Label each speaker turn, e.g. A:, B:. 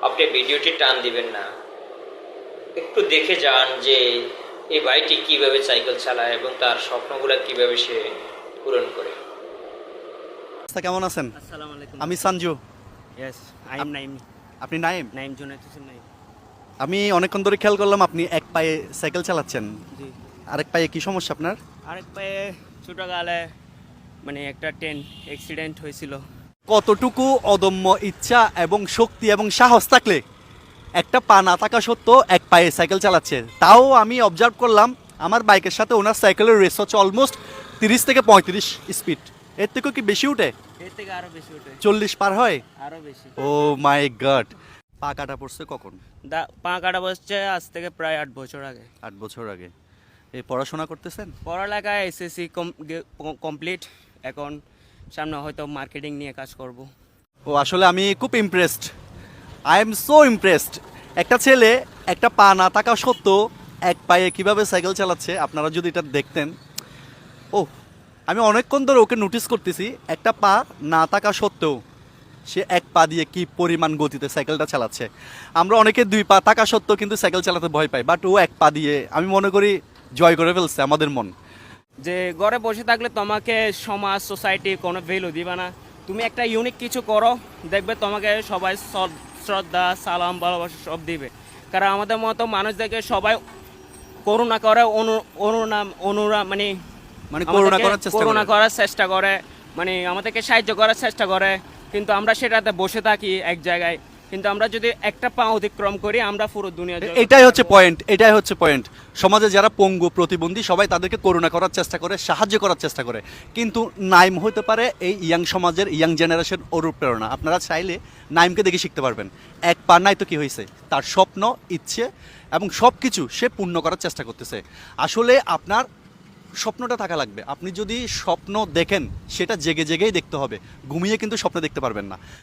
A: আপনি ভিডিওটি টান দিবেন না, একটু দেখে যান যে এই ভাইটি কিভাবে সাইকেল চালায় এবং তার স্বপ্নগুলো কিভাবে সে পূরণ করে।
B: কেমন আছেন?
C: আসসালামু আলাইকুম।
B: আমি Sanju.
C: Yes, I am Naim.
B: আপনি নাইম?
C: নাইম জুনায়েদ হোসেন নাইম।
B: আমি অনেকক্ষণ ধরে খেয়াল করলাম আপনি এক পায়ে সাইকেল চালাচ্ছেন,
C: জি।
B: আরেক পায়ে কি সমস্যা আপনার?
C: আরেক পায়ে ছোটকালে মানে একটা ট্রেন অ্যাক্সিডেন্ট হয়েছিল।
B: কতটুকু অদম্য ইচ্ছা এবং শক্তি এবং সাহস থাকলে একটা পা না থাকা সত্ত্বেও এক পায়ে সাইকেল চালাচ্ছে। তাও আমি অবজার্ভ করলাম আমার বাইকের সাথে ওনার সাইকেলের রেস হচ্ছে অলমোস্ট 30 থেকে 35 স্পিড। এর থেকেও কি বেশি উঠে?
C: এর থেকে আরো বেশি ওঠে,
B: 40 পার হয়?
C: আরো বেশি।
B: Oh my god! পা কাটা পড়ছে কখন?
C: পা কাটা বসছে আজ থেকে প্রায় 8 বছর আগে।
B: 8 বছর আগে। এই পড়াশোনা করতেছেন?
C: পড়ালেখা এসএসসি কমপ্লিট, এখন সামনে হয়তো মার্কেটিং নিয়ে কাজ করব।
B: ও আসলে আমি খুব impressed, I am so impressed. একটা ছেলে একটা পা না থাকা সত্ত্বেও এক পায়ে কিভাবে সাইকেল চালাচ্ছে আপনারা যদি এটা দেখতেন। ও আমি অনেকক্ষণ ধরে ওকে নোটিস করতেছি, একটা পা না থাকা সত্ত্বেও সে এক পা দিয়ে কি পরিমাণ গতিতে সাইকেলটা চালাচ্ছে। আমরা অনেকে দুই পা থাকা সত্ত্বেও কিন্তু সাইকেল চালাতে ভয় পাই, বাট ও এক পা দিয়ে আমি মনে করি জয় করে ফেলছে আমাদের মন।
C: যে ঘরে বসে থাকলে তোমাকে সমাজ সোসাইটি কোনো ভ্যালু দিবে না। তুমি একটা ইউনিক কিছু করো, দেখবে তোমাকে সবাই শ্রদ্ধা সালাম ভালোবাসা সব দিবে। কারণ আমাদের মতো মানুষদেরকে সবাই করুণা করে, অনুরা মানে
B: মানে করুণা করার চেষ্টা
C: করুণা
B: করে।
C: করার চেষ্টা করে, মানে আমাদেরকে সাহায্য করার চেষ্টা করে। কিন্তু আমরা সেটাতে বসে থাকি এক জায়গায়, কিন্তু আমরা যদি একটা পা অতিক্রম করি আমরা পুরো দুনিয়া জয়
B: এটাই হচ্ছে
C: করতে পারবো।
B: পয়েন্ট, এটাই হচ্ছে পয়েন্ট। সমাজে যারা পঙ্গু প্রতিবন্ধী সবাই তাদেরকে করুণা করার চেষ্টা করে, সাহায্য করার চেষ্টা করে, কিন্তু নাইম হতে পারে এই ইয়াং সমাজের ইয়াং জেনারেশন অনুপ্রেরণা। আপনারা চাইলে নাইমকে দেখে শিখতে পারবেন। এক পা নাই তো কি হয়েছে, তার স্বপ্ন ইচ্ছে এবং সব কিছু সে পূর্ণ করার চেষ্টা করতেছে। আসলে আপনার স্বপ্নটা থাকা লাগবে। আপনি যদি স্বপ্ন দেখেন সেটা জেগে জেগেই দেখতে হবে, ঘুমিয়ে কিন্তু স্বপ্ন দেখতে পারবেন না।